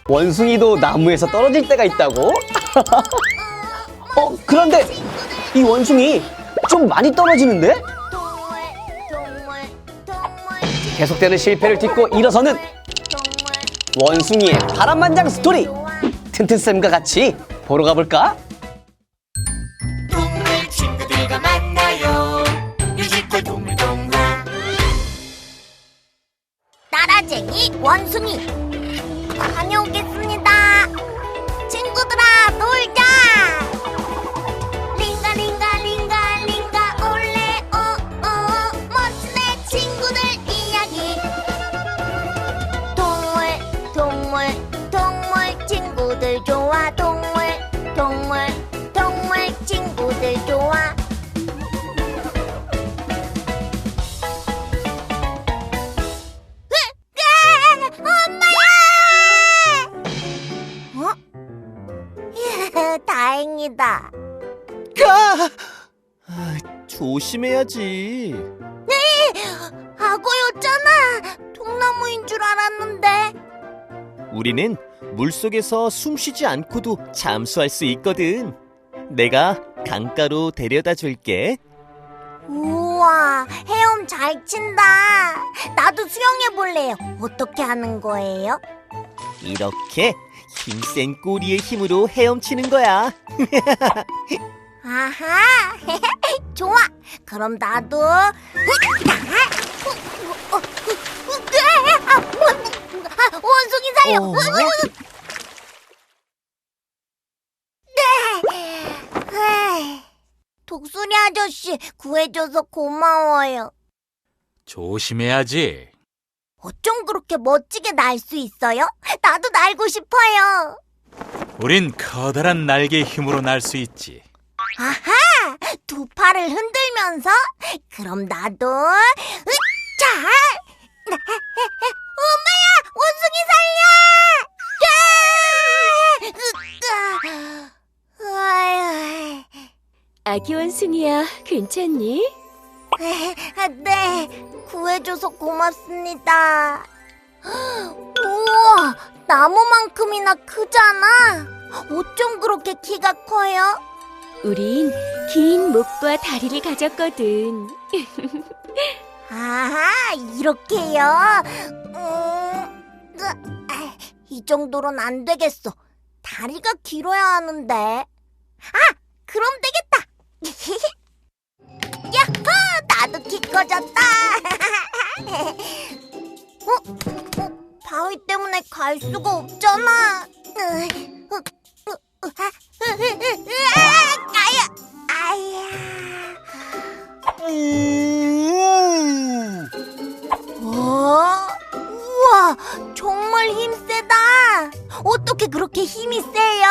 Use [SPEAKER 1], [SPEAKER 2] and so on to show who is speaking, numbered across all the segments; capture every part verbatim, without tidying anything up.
[SPEAKER 1] 원숭이도 나무에서 떨어질 때가 있다고? 어, 그런데 이 원숭이 좀 많이 떨어지는데? 계속되는 실패를 딛고 일어서는 원숭이의 파란만장 스토리! 튼튼쌤과 같이 보러 가볼까?
[SPEAKER 2] 동물 친구들과 만나요. 뮤지컬 동물동화.
[SPEAKER 3] 따라쟁이 원숭이 다녀오겠습니다. 친구들아 놀자. 링가 링가 링가 링가 올레 오오 멋진 내 친구들 이야기. 동물 동물 동물 친구들 좋아. 동물 동물 동물 친구들 좋아. 다행이다.
[SPEAKER 4] 가! 아, 조심해야지.
[SPEAKER 3] 악어였잖아. 통나무인 줄 알았는데.
[SPEAKER 4] 우리는 물속에서 숨 쉬지 않고도 잠수할 수 있거든. 내가 강가로 데려다 줄게.
[SPEAKER 3] 우와, 헤엄 잘 친다. 나도 수영해 볼래요. 어떻게 하는 거예요?
[SPEAKER 4] 이렇게 힘센 꼬리의 힘으로 헤엄치는 거야.
[SPEAKER 3] 아하, 좋아. 그럼 나도. 아, 원숭이 살려.
[SPEAKER 4] 어?
[SPEAKER 3] 네. 독수리 아저씨 구해줘서 고마워요.
[SPEAKER 5] 조심해야지.
[SPEAKER 3] 어쩜 그렇게 멋지게 날 수 있어요? 나도 날고 싶어요.
[SPEAKER 5] 우린 커다란 날개의 힘으로 날 수 있지.
[SPEAKER 3] 아하! 두 팔을 흔들면서? 그럼 나도 으차! 엄마야! 원숭이 살려! 아유.
[SPEAKER 6] 아기 원숭이야, 괜찮니?
[SPEAKER 3] 네, 구해줘서 고맙습니다. 우와, 나무만큼이나 크잖아. 어쩜 그렇게 키가 커요?
[SPEAKER 6] 우린 긴 목과 다리를 가졌거든.
[SPEAKER 3] 아, 이렇게요? 음, 으, 아, 이 정도로는 안 되겠어. 다리가 길어야 하는데. 아, 그럼 되겠다. 야호! 나도 키 커졌다. 어? 어? 바위 때문에 갈 수가 없잖아. 으, 으, 으, 으, 아, 으, 으, 으, 으, 아야, 아야. 어? 우와, 정말 힘세다. 어떻게 그렇게 힘이 세요?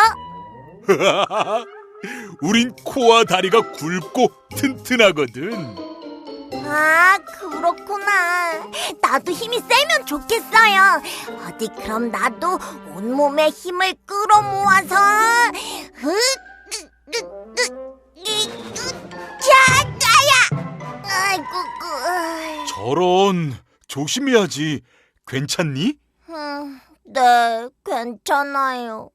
[SPEAKER 5] 우린 코와 다리가 굵고 튼튼하거든.
[SPEAKER 3] 아, 그렇구나. 나도 힘이 세면 좋겠어요. 어디 그럼 나도 온몸에 힘을 끌어모아서 으, 으, 으, 으, 이, 으, 자, 나야. 아이고, 그,
[SPEAKER 5] 저런, 조심해야지. 괜찮니?
[SPEAKER 3] 음, 네, 괜찮아요.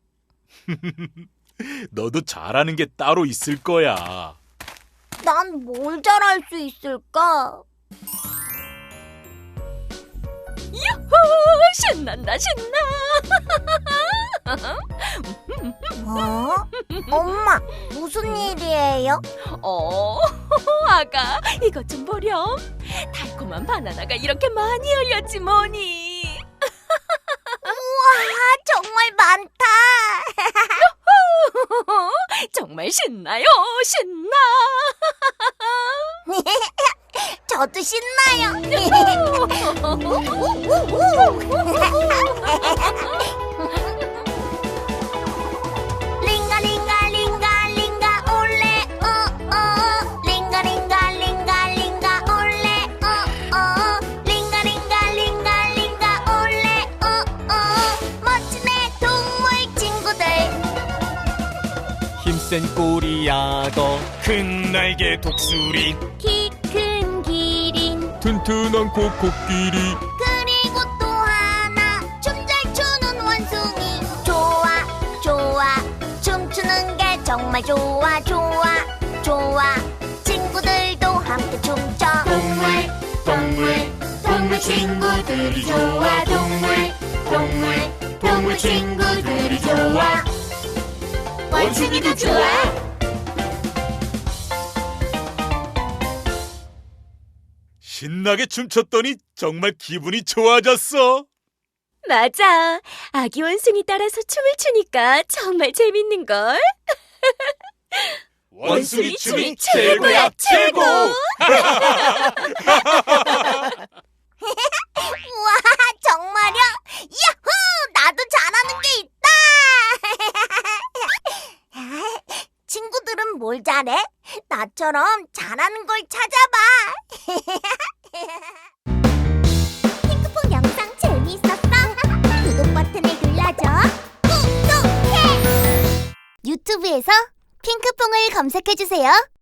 [SPEAKER 5] 너도 잘하는 게 따로 있을 거야.
[SPEAKER 3] 난 뭘 잘할 수 있을까?
[SPEAKER 6] 유후! 신난다, 신나!
[SPEAKER 3] 어? 엄마, 무슨 일이에요?
[SPEAKER 6] 어, 아가, 이것 좀 보렴. 달콤한 바나나가 이렇게 많이 열렸지 뭐니.
[SPEAKER 3] 우와, 정말 많다.
[SPEAKER 6] 정말 신나요, 신나.
[SPEAKER 3] 저도 신나요. 링가 링가 링가 링가 올레 오오 링가 링가 링가 링가 올레 오오 링가 링가 링가 링가 올레 오오 멋진 내 동물 친구들.
[SPEAKER 4] 힘센 꼬리야도
[SPEAKER 5] 큰 날개 독수리,
[SPEAKER 3] 키 큰 기린
[SPEAKER 5] 튼튼한 코코끼리,
[SPEAKER 3] 그리고 또 하나 춤 잘 추는 원숭이. 정말 좋아 좋아 좋아 친구들도 함께 춤춰
[SPEAKER 2] 동물 동물 동물 친구들이 좋아 동물 동물 동물 친구들이 좋아 원숭이도 좋아
[SPEAKER 5] 신나게 춤췄더니 정말 기분이 좋아졌어.
[SPEAKER 6] 맞아. 아기 원숭이 따라서 춤을 추니까 정말 재밌는걸.
[SPEAKER 5] 원숭이 춤이
[SPEAKER 6] 최고야, 최고!
[SPEAKER 3] 우와 정말요? 야호 나도 잘하는 게 있다 친구들은 뭘 잘해? 나처럼 잘하는 걸 찾아봐 핑크퐁 영상 재미있었어? 구독 버튼을 눌러줘 구독해 유튜브에서 핑크퐁을 검색해주세요